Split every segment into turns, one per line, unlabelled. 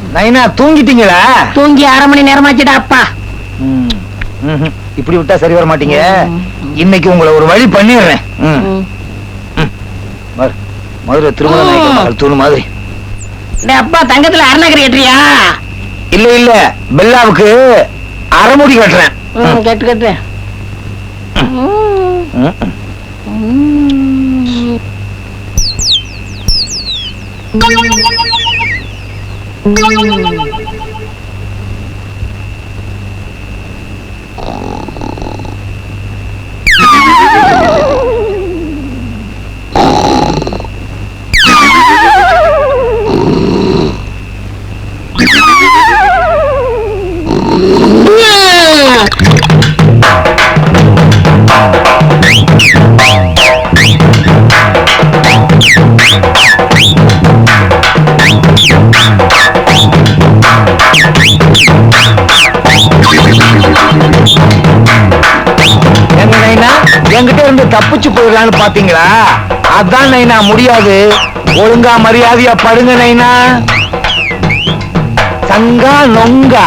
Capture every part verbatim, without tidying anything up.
நைனா தூங்கிட்டீங்களா?
தூங்கி அரை மணி நேரமாச்சுடா அப்பா.
இப்படி விட்டா சரி வர மாட்டீங்க. இன்னைக்கு உங்களை ஒரு வழி பண்ணிடுறேன். மதுரை திருமண நாயக்கர் தூணு மாதிரி.
அப்பா தங்கத்துல அரணகரி கட்டுறியா?
இல்ல இல்ல, பெல்லாவுக்கு அரைமுடி கட்டுறேன்.
கட்டு கட்டு.
என்கிட்ட இருந்து தப்பிச்சு போயிடலான்னு பாத்தீங்களா? அதான் நைனா முடியாது. ஒழுங்கா மரியாதையா படுங்க நைனா. சங்கா நொங்கா.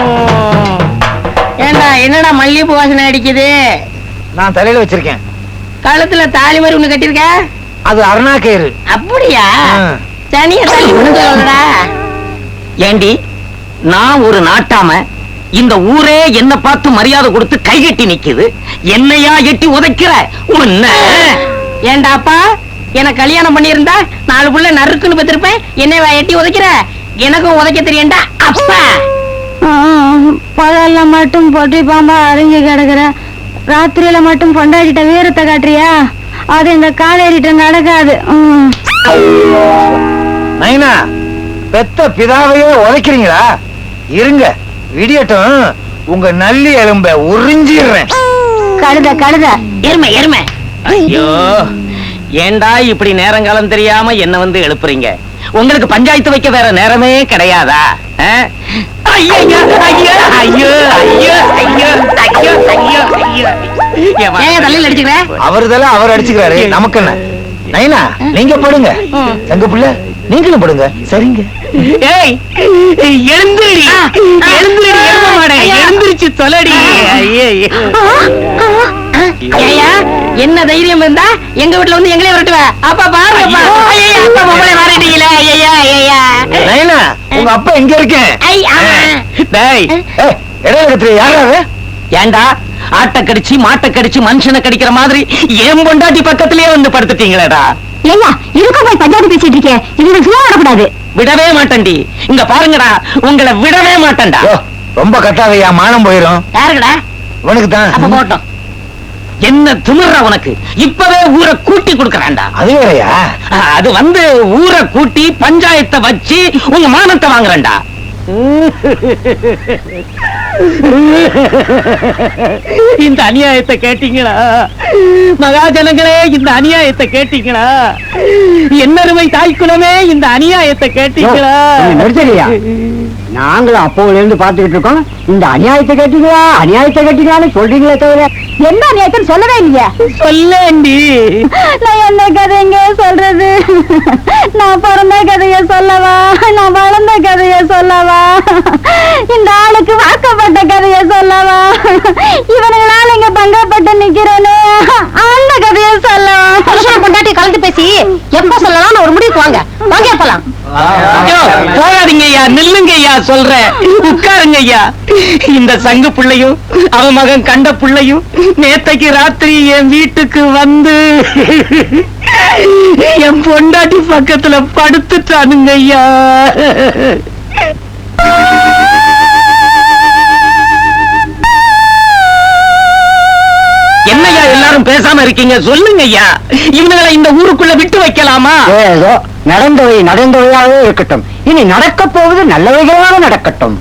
ஏண்டா என்னடா மல்லிகைப்பூ வாசனை அடிக்குது?
நான் தலையில வச்சிருக்கேன்.
கழுத்துல தாலி மாதிரி ஒண்ணு கட்டிருக்க?
அது அருணா கயிறு.
அப்படியா? சனிய தள்ளி விடுங்கடா.
ஏண்டி, நான் ஒரு நாட்டாம, இந்த ஊரே என்ன பார்த்து மரியாதை கொடுத்து கைகட்டி நிக்குது. என்னையா எட்டி உதைக்கிற? உன்ன
ஏண்டாப்பா, எனக்கு கல்யாணம் பண்ணியிருந்தா நாலு புள்ள நறுக்குன்னு பத்திருப்பேன். என்ன எட்டி உதைக்கிற? எனக்கும் உதைக்க தெரியண்டா அப்பா.
பகல்ல மட்டும் பொட்டி பாம்பா அரைஞ்சு கிடக்குற, ராத்திரியில மட்டும் பொண்டாடிட்ட வீரத்தை காட்டுறியா? அது இந்த காலேறிட்ட நடக்காது.
நைனா, பெத்த பிதாவையே உதைக்கிறீங்களா? இருங்க, விடியட்டும், உங்க நல்லி எலும்ப உறிஞ்சிடுறேன்.
கழுத கழுத
எருமை எருமை.
ஐயோ, ஏண்டா இப்படி நேரங்காலம் தெரியாம என்ன வந்து எழுப்புறீங்க? உங்களுக்கு பஞ்சாயத்து வைக்க வேற நேரமே கிடையாதா? ஐயோ ஐயோ ஐயோ ஐயோ ஐயோ ஐயோ ஐயோ ஐயோ.
தலையில் அடிச்சுக்கிற?
அவருதெல்லாம் அவர் அடிச்சுக்கிறாரு, நமக்கு என்ன? நைனா, நீங்க படுங்க. தங்க புள்ள நீங்களும் படுங்க. சரிங்க.
ஏய், எழுந்துடி எழுந்துடி எழுந்திருச்சு சொல்லடி.
என்ன தைரியம் இருந்தா எங்க வீட்டுல வந்து எங்களே வரட்டுவ? அப்பா பாருங்கப்பா. அப்பா மொபைலை மாறிட்டீங்களே. ஐயா ஐயா.
நைனா, உங்க அப்பா எங்க இருக்கேன்? யாராவது?
ஏண்டா, ஆட்டை கடிச்சு மாட்டை கடிச்சு மனுஷனை கடிக்கிற மாதிரி ஏன் பொண்டாட்டி பக்கத்திலேயே வந்து படுத்துட்டீங்களேடா?
ஏய்யா, இதுக்கு போய் பஞ்சாயத்து பேசிட்டு இருக்கேன். இது சும்மா வரக்கூடாது.
விடவே மாட்டேன்டி. இங்க பாருங்கடா, உங்களை விடவே மாட்டேன்டா.
ரொம்ப கட்டாதையா, மானம் போயிரும்.
யாருக்குடா?
உனக்கு தான்.
அப்ப போட்டோம்.
என்ன திமிர்ற உனக்கு? இப்பவே ஊரை கூட்டி கொடுக்கறான்டா.
அது வேறையா?
அது வந்து ஊரை கூட்டி பஞ்சாயத்தை வச்சு உங்க மானத்தை வாங்குறேன்டா. இந்த அநியாயத்தை கேட்டீங்களா மகாஜனங்களே? இந்த அநியாயத்தை கேட்டீங்களா? என்னருமை தாய்க்குலமே, இந்த அநியாயத்தை கேட்டீங்களா?
நாங்களும் அப்போல இருந்து பாத்துக்கிட்டு இருக்கோம். இந்த அநியாயத்தை கேட்டீங்களா அநியாயத்தை கேட்டீங்களான்னு சொல்றீங்களே தவிர
என்ன அநியாயத்தை சொல்லவே இல்லையா?
சொல்லேண்டி.
நான் என்ன கதைங்க சொல்றது? நான் பிறந்த கதைய சொல்லவா? நான் வளர்ந்த கதைய சொல்லவா? இந்த ஆளுக்கு வாக்கப்பட்ட கதைய சொல்லவா? இவனுங்களால இங்க பங்கப்பட்டு நிக்கிறேன்னு அந்த கதைய சொல்லவா? புருஷன் பொண்டாட்டி கலந்து பேசி எப்ப சொல்லலாம் ஒரு முடிவுக்கு வாங்க. வாங்க போலாம்.
போகாதீங்க ஐயா, நில்லுங்க ஐயா, சொல்றேன். உட்காருங்க ஐயா. இந்த சங்கு பிள்ளையும் அவன் மகன் கண்ட பிள்ளையும் நேத்தைக்கு ராத்திரி என் வீட்டுக்கு வந்து என் பொண்டாட்டி பக்கத்துல படுத்துட்டானுங்க ஐயா. என்னையா எல்லாரும் பேசாம இருக்கீங்க? சொல்லுங்க ஐயா, இவங்களை இந்த ஊருக்குள்ள விட்டு வைக்கலாமா?
ஏதோ நடந்தவை நடந்தவையாகவே இருக்கட்டும். இனி நடக்க போவது நல்லவைகளாக நடக்கட்டும்.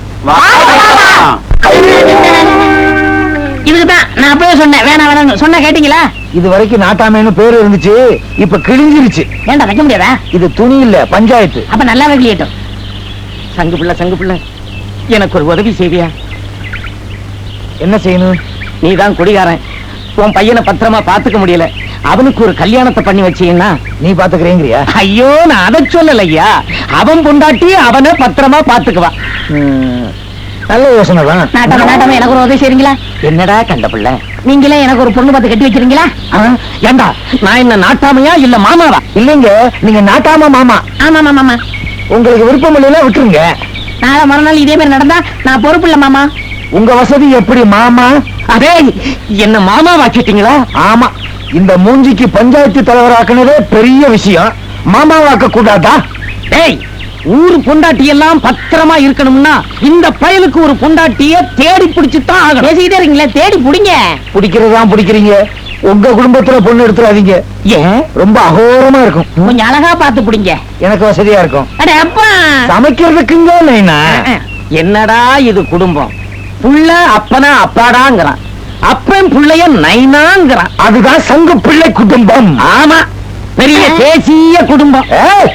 இதுக்குதான் நான் அப்பவே சொன்னேன், வேணாம் வேணாம் சொன்ன கேட்டீங்களா?
இது வரைக்கும் நாட்டாமேன்னு பேரு இருந்துச்சு, இப்ப கிழிஞ்சிருச்சு.
ஏண்டா வைக்க முடியாதா?
இது துணி இல்ல, பஞ்சாயத்து.
அப்ப நல்லா வைக்கட்டும்.
சங்கு பிள்ளை சங்கு பிள்ளை, எனக்கு ஒரு உதவி செய்வியா?
என்ன செய்யணும்?
நீதான் குடிகாரன், உன் பையனை பத்திரமா பாத்துக்க முடியல, அவனுக்கு ஒரு கல்யாணத்தை பண்ணி வச்சீங்கன்னா
நீ பாத்துக்கிறீங்கறியா?
ஐயோ நான் அதை சொல்லல ஐயா, அவன் பொண்டாட்டி அவனை பத்திரமா பாத்துக்குவான்.
நல்ல யோசனை தான்.
நாட்டாம நாட்டாம எனக்கு ஒரு உதவி செய்றீங்களா?
என்னடா கண்ட பிள்ளை,
நீங்களே எனக்கு ஒரு பொண்ணு பார்த்து கட்டி வச்சிருங்களா?
ஏண்டா நான் என்ன நாட்டாமையா இல்ல மாமாவா?
இல்லைங்க, நீங்க நாட்டாம மாமா.
ஆமா மாமா மாமா,
உங்களுக்கு விருப்பம் இல்லைன்னா விட்டுருங்க.
நாளை மறுநாள் இதே மாதிரி நடந்தா நான் பொறுப்பு இல்ல மாமா.
உங்க வசதி எப்படி மாமா?
அதே என்ன மாமா வாக்கிட்டீங்களா?
ஆமா, இந்த மூஞ்சிக்கு பஞ்சாயத்து தலைவராக்குனதே பெரிய விஷயம். மாமாவாக்க கூடாதா?
டேய், ஊரு பொண்டாட்டி எல்லாம் பத்திரமா இருக்கணும்னா இந்த பயலுக்கு ஒரு பொண்டாட்டிய தேடி பிடிச்சுதான் ஆகணும்.
பேசிக்கிட்டே இருக்கீங்களே, தேடி புடிங்க.
பிடிக்கிறதுதான் பிடிக்கிறீங்க. உங்க குடும்பத்துல பொண்ணு எடுத்துறாதீங்க.
ஏன்?
ரொம்ப அகோரமா இருக்கும்.
கொஞ்சம் அழகா பார்த்து புடிங்க.
எனக்கு வசதியா இருக்கும்.
அட அப்பா,
சமைக்கிறதுக்குங்க நைனா.
என்னடா இது குடும்பம்? புள்ள அப்பனா அப்பாடாங்கிறான், அப்பன் புள்ளைய நைனாங்கிறான்.
அதுதான் சங்க பிள்ளை குடும்பம்.
ஆமா, பெரிய தேசிய குடும்பம்.
ஏய்,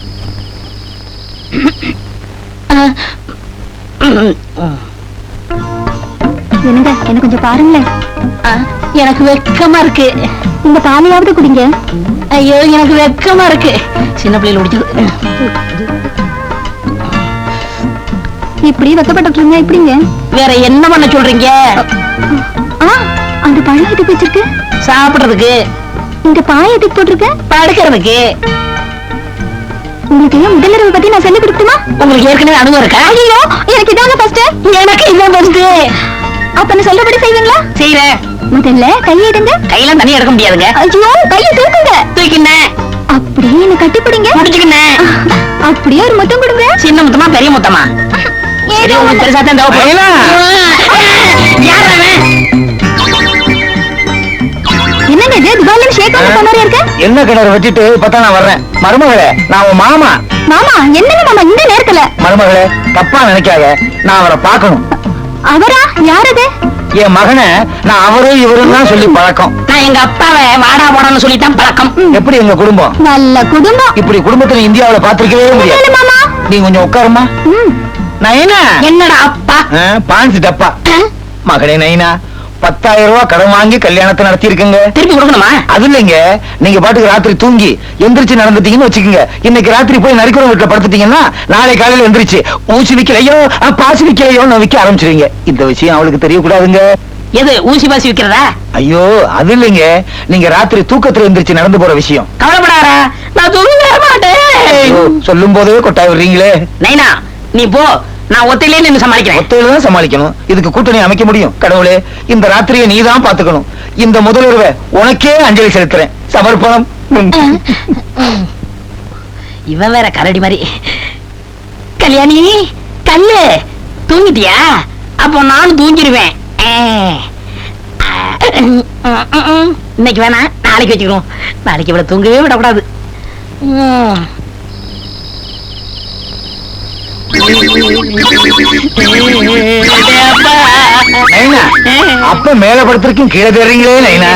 என்னங்க என்ன கொஞ்சம் பாருங்களேன்.
ஆ, எனக்கு வெக்கமா இருக்கு.
இந்த பாலையாவது குடிங்க.
ஐயோ எனக்கு வெக்கமா இருக்கு. சின்ன பிள்ளைல முடிச்சு
இப்படி வெக்கப்பட்டிருக்கீங்க, இப்படிங்க.
வேற என்ன பண்ண சொல்றீங்க?
ஆ, அந்த பழம் எதுக்கு வச்சிருக்கு?
சாப்பிடுறதுக்கு.
இந்த பாய் எதுக்கு போட்டிருக்க?
படுக்கிறதுக்கு.
உங்களுக்கு முதலிரவு பத்தி நான் சொல்லி கொடுத்துமா?
உங்களுக்கு ஏற்கனவே அனுபவம் இருக்கா?
ஐயோ, எனக்கு இதாங்க ஃபர்ஸ்ட்.
எனக்கு இதான் ஃபர்ஸ்ட்.
அப்ப நான் சொல்றபடி செய்வீங்களா?
செய்யறேன்.
முதல்ல கையை எடுங்க.
கையெல்லாம் தனியா எடுக்க முடியாதுங்க.
ஐயோ, கையை தூக்குங்க.
தூக்கினேன்.
அப்படியே என்ன கட்டி பிடிங்க.
முடிச்சுக்கினேன்.
அப்படியே ஒரு முத்தம் கொடுங்க.
சின்ன முத்தமா பெரிய முத்தமா? சரி, உங்களுக்கு பெருசா தான் தேவைப்படும். யார் அவன்?
என்னங்க இது துபாயில ஷேக் பண்ண மாதிரி இருக்கு?
என்ன கிணறு வெட்டிட்டு இப்பதான் நான் வர்றேன். மருமகளே, நான் உன் மாமா.
மாமா, என்னங்க மாமா இந்த நேரத்துல?
மருமகளே, தப்பா நினைக்காத, நான் அவரை பார்க்கணும்.
அவரா? யார் அது?
என் மகனை நான் அவரு இவருன்னு தான் சொல்லி பழக்கம்.
நான் எங்க அப்பாவை வாடா போடான்னு சொல்லித்தான் பழக்கம்.
எப்படி எங்க குடும்பம்?
நல்ல குடும்பம்.
இப்படி குடும்பத்தை நீ இந்தியாவுல பாத்திருக்கவே
இல்ல
முடியாது.
மாமா.
நீ கொஞ்சம் உட்காருமா.
ம்.
நைனா,
என்னடா அப்பா?
பான்ஸ் டப்பா. மகனே நைனா, பத்தாயிரம் ரூபாய் கடன் வாங்கி கல்யாணத்தை நடத்தி இருக்குங்க.
திருப்பி கொடுக்கணுமா?
அது இல்லைங்க, நீங்க பாட்டுக்கு ராத்திரி தூங்கி எந்திரிச்சு நடந்துட்டீங்கன்னு வச்சுக்கோங்க. இன்னைக்கு ராத்திரி போய் நரிக்குறவங்க வீட்டுல படுத்துட்டீங்கன்னா நாளை காலையில எந்திரிச்சு ஊசி விக்கலையோ பாசி விக்கலையோ விக்க ஆரம்பிச்சிருவீங்க. இந்த விஷயம் அவளுக்கு தெரியக்கூடாதுங்க.
எது ஊசி பாசி விக்கிறதா?
ஐயோ, அது இல்லைங்க, நீங்க ராத்திரி தூக்கத்துல எந்திரிச்சு நடந்து போற விஷயம்.
கவலைப்படாரா, நான் தூங்கவே மாட்டேன்.
சொல்லும் போதே கொட்டாய் விடுறீங்களே.
நைனா, நீ போ, நான் ஒத்தையிலே நின்னு சமாளிக்கிறேன்.
ஒத்தையில தான் சமாளிக்கணும். இதுக்கு கூட்டணி அமைக்க முடியும். கடவுளே, இந்த ராத்திரியை நீ தான் பாத்துக்கணும். இந்த முதல்வரை உனக்கே அஞ்சலி செலுத்துறேன். சமர்ப்பணம்.
இவன் வேற கரடி மாதிரி. கல்யாணி, கல்லு தூங்கிட்டியா? அப்போ நானும் தூங்கிடுவேன். இன்னைக்கு வேணா, நாளைக்கு வச்சுக்கிறோம். நாளைக்கு இவ்வளவு தூங்கவே விடக்கூடாது.
நைனா, அப்ப மேல படுத்திருக்கும் கீழே தேடுறீங்களே நைனா.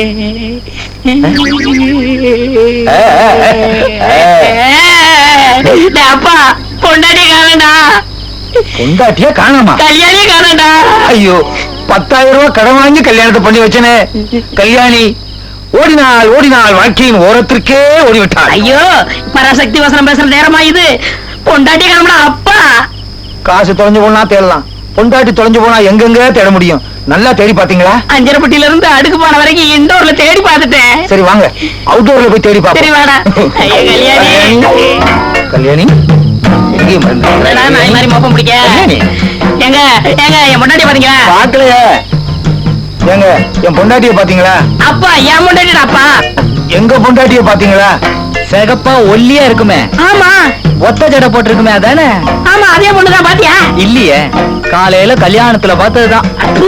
அப்பா, பொண்டாட்டி காணடா.
பொண்டாட்டியா காணாமா?
கல்யாணி காணடா.
ஐயோ, பத்தாயிரம் ரூபாய் கடன் வாங்கி கல்யாணத்தை பண்ணி வச்சனே. கல்யாணி ஓடினாள் ஓடினாள் வாழ்க்கையின் ஓரத்திற்கே ஓடிவிட்டாள்.
ஐயோ, பராசக்தி வசனம் பேசுற நேரமா இது? பொண்டாட்டி காணடா அப்பா.
காசு தொலைஞ்சு போனா தேடலாம், பொண்டாட்டி தொலைஞ்சு போனா எங்கெங்க தேட முடியும்? நல்லா தேடி பாத்தீங்களா?
அஞ்சரப்பட்டியில இருந்து அடுக்கு போன வரைக்கும் இன்டோர்ல தேடி பார்த்துட்டேன்.
சரி வாங்க, அவுட்டோர்ல போய் தேடி
சரி வாடா.
பாப்போம்.
ஐயா, கல்யாணி.
கல்யாணி எங்கேயும் வரல.
என்னடா நாய் மாதிரி மோப்பம் பிடிக்க?
கல்யாணி.
ஏங்க ஏங்க என் பொண்டாட்டி பாத்தீங்களா?
பாக்கலையே. ஏங்க, என் பொண்டாட்டிய பாத்தீங்களா?
அப்பா, என் பொண்டாட்டிடா அப்பா.
எங்க பொண்டாட்டிய பாத்தீங்களா?
சிகப்பா ஒல்லியா இருக்குமே,
ஆமா
ஒத்த ஜடை போட்டிருக்குமே, அதானே?
ஆமா, அதே பொண்ணுதான். பாத்தியா?
இல்லையே, காலையில கல்யாணத்துல பார்த்ததுதான்.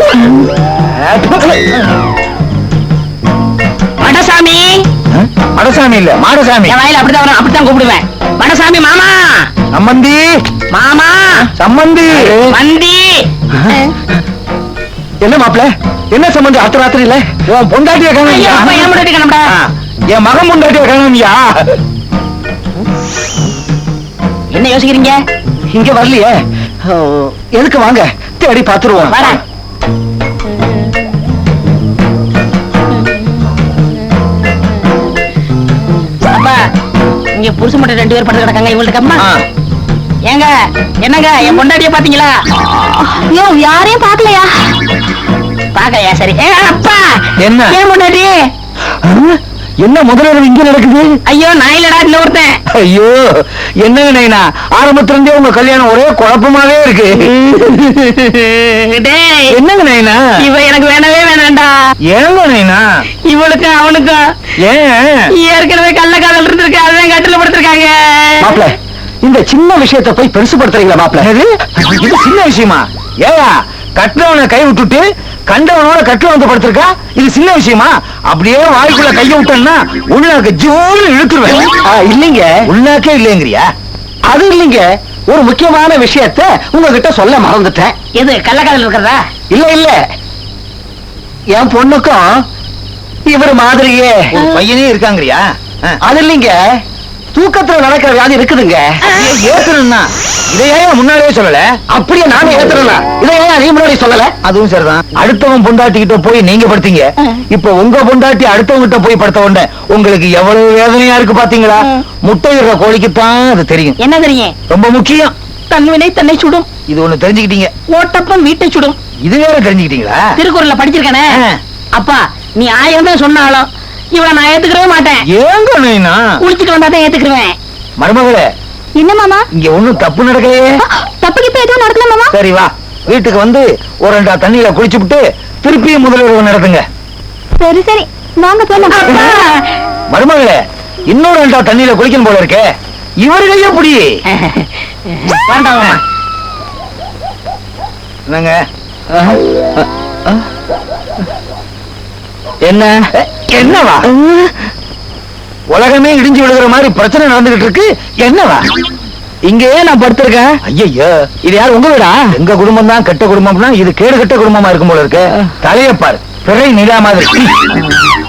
மடசாமி.
மடசாமி இல்ல, மாடசாமி.
என் வாயில அப்படிதான் வரும், அப்படித்தான் கூப்பிடுவேன். மடசாமி மாமா.
சம்மந்தி
மாமா.
சம்மந்தி.
மந்தி.
என்ன மாப்பிள, என்ன சம்பந்தி அத்த ராத்திரி இல்ல? உன் பொண்டாட்டிய
ஐயோ, அப்பா, என்
காணும்.
பொண்டாட்டி காணோம்டா.
என் மகன் பொண்டாட்டிய காணும்யா.
என்ன யோசிக்கிறீங்க?
இங்க வரலையே. ஓ, எதுக்கு, வாங்க தேடி பாத்துருவோம்.
வாடா. இங்க புருஷ மட்டும் ரெண்டு பேர் படுத்து கிடக்காங்க இவங்களுக்கு அம்மா
ஆ.
ஏங்க என்னங்க என் பொண்டாட்டிய பாத்தீங்களா
ஐயோ யாரையும் பாக்கலையா?
பாக்கலையா சரி ஏ, அப்பா
என்ன?
ஏன் பொண்டாட்டி
ஆ? என்ன முதல்ல இங்க நடக்குது?
ஐயோ நான் இல்லடா இந்த ஒருத்தன்
ஐயோ என்னங்க நைனா, ஆரம்பத்துல இருந்தே உங்க கல்யாணம் ஒரே குழப்பமாவே இருக்கு.
டேய்
என்னங்க நைனா?
இவ எனக்கு வேணவே வேணாம்டா
ஏங்க நைனா?
இவளுக்கும் அவனுக்கும்
ஏன்
ஏற்கனவே கள்ள காதல் இருந்திருக்கு அதான் கட்டில படுத்திருக்காங்க
மாப்பிள, இந்த சின்ன விஷயத்தை போய் பெருசுபடுத்துறீங்களா மாப்பிள?
என்னது? இது சின்ன விஷயமா? ஏயா கட்டுறவனை கை விட்டுட்டு கண்டவனோட கட்டுல வந்து படுத்திருக்கா, இது சின்ன விஷயமா? அப்படியே வாய்க்குள்ள கைய விட்டேன்னா உள்ளாக்க ஜோன்னு இழுத்துருவேன்.
ஆ, இல்லைங்க,
உள்ளாக்கே இல்லைங்கிறியா?
அது இல்லைங்க. ஒரு முக்கியமான விஷயத்தை உங்ககிட்ட சொல்ல மறந்துட்டேன்.
எது கள்ள காதல் இருக்கிறதா
இல்ல இல்ல, என் பொண்ணுக்கும் இவர் மாதிரியே
ஒரு பையனே இருக்காங்கறியா?
அது இல்லைங்க, தூக்கத்துல நடக்கிற வியாதி இருக்குதுங்க.
ஏத்தணும்னா இதையே முன்னாடியே சொல்லல.
அப்படியே நானே ஏத்துறேன். இதை ஏன் நீ முன்னாடி சொல்லல?
அதுவும் சரிதான். அடுத்தவன் பொண்டாட்டி கிட்ட போய் நீங்க படுத்தீங்க, இப்ப உங்க பொண்டாட்டி அடுத்தவங்க கிட்ட போய் படுத்த உடனே உங்களுக்கு எவ்வளவு வேதனையா இருக்கு பாத்தீங்களா? முட்டையிடுற கோழிக்குத்தான் அது தெரியும்.
என்ன தெரியும்
ரொம்ப முக்கியம்.
தன்வினை தன்னை சுடும்
இது ஒண்ணு தெரிஞ்சுக்கிட்டீங்க.
ஓட்டப்பம் வீட்டை சுடும்
இது வேற தெரிஞ்சுக்கிட்டீங்களா?
திருக்குறள்ல படிச்சிருக்கானே
ஆ.
அப்பா நீ ஆயிரம் தான் சொன்னாலும் இவளை நான் ஏத்துக்கவே மாட்டேன்
ஏங்க நைனா?
குளிச்சுட்டு வந்தாதான் ஏத்துக்குருவேன்
மருமகளே,
என்ன மாமா?
இங்க ஒண்ணும் தப்பு நடக்கலையே.
தப்பு கிப்ப எதுவும் நடக்கல மாமா?
சரி வா, வீட்டுக்கு வந்து ஒரு ரெண்டா தண்ணியில குளிச்சுட்டு திருப்பியும் முதல்வர் நடத்துங்க.
சரி சரி வாங்க போலாம்.
மருமகளே, இன்னொரு ரெண்டா தண்ணியில குளிக்கணும் போல இருக்கே. இவர்கள் எப்படி?
வேண்டாம் மாமா.
என்னங்க? என்ன என்னவா? உலகமே இடிஞ்சு விழுகிற மாதிரி பிரச்சனை நடந்துகிட்டு இருக்கு. என்னவா? இங்கேயே நான் படுத்திருக்கேன். ஐயோ, இது யார்? உங்க வீடா? எங்க குடும்பம் தான் கெட்ட குடும்பம்னா இது கேடு கெட்ட குடும்பமா இருக்கும் போல இருக்கு. தலையப்பாரு பிறை நிலா மாதிரி.